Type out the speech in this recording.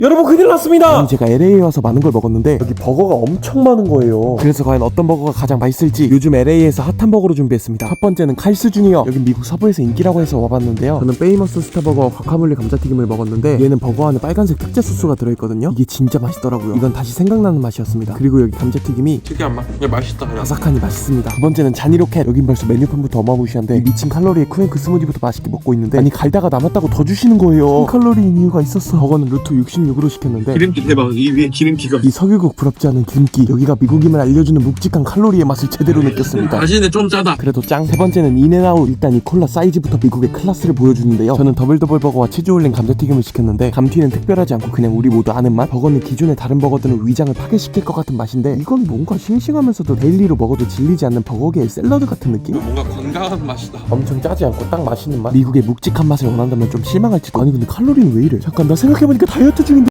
여러분 큰일 났습니다. 아니, 제가 LA에 와서 많은 걸 먹었는데 여기 버거가 엄청 많은 거예요. 그래서 과연 어떤 버거가 가장 맛있을지 요즘 LA에서 핫한 버거로 준비했습니다. 첫 번째는 칼스 주니어. 여긴 미국 서부에서 인기라고 해서 와봤는데요. 저는 페이머스 스타버거 과카몰리 감자튀김을 먹었는데 얘는 버거 안에 빨간색 특제 소스가 들어있거든요. 이게 진짜 맛있더라고요. 이건 다시 생각나는 맛이었습니다. 그리고 여기 감자튀김이 특이한 맛. 그냥 맛있다. 그냥. 바삭하니 맛있습니다. 두 번째는 자니로켓. 여긴 벌써 메뉴판부터 어마무시한데 이 미친 칼로리에 쿠앤크 스무디부터 맛있게 먹고 있는데 아니 갈다가 남았다고 더 주시는 거예요. 1000칼로리인 이유가 있었어. 버거는 루트 66으로 시켰는데 기름기 대박. 이 위에 기름기가. 이 석유국 부럽지 않은 기름기. 여기가 미국임을 알려주는 묵직한 칼로리의 맛을 제대로 느꼈습니다. 맛있는데 좀 짜다. 그래도 짱. 세 번째는 인앤아웃. 일단 이 콜라 사이즈부터 미국의 클래스를 보여주는데요. 저는 더블 버거와 치즈 올린 감자튀김을 시켰는데 감튀는 특별하지 않고 그냥 우리 모두 아는 맛. 버거는 기존의 다른 버거들은 위장을 파괴시킬 것 같은 맛인데 이건 뭔가 싱싱하면서도 데일리로 먹어도 질리지 않는 버거계의 샐러드 같은 느낌? 뭔가 건강한 맛이다. 엄청 짜지 않고 딱 맛있는 맛. 미국의 묵직한 맛을 원한다면 좀 실망할지도. 아니 근데 칼로리는 왜 이래? 잠깐 나 생각해보니까 다이어트 중인데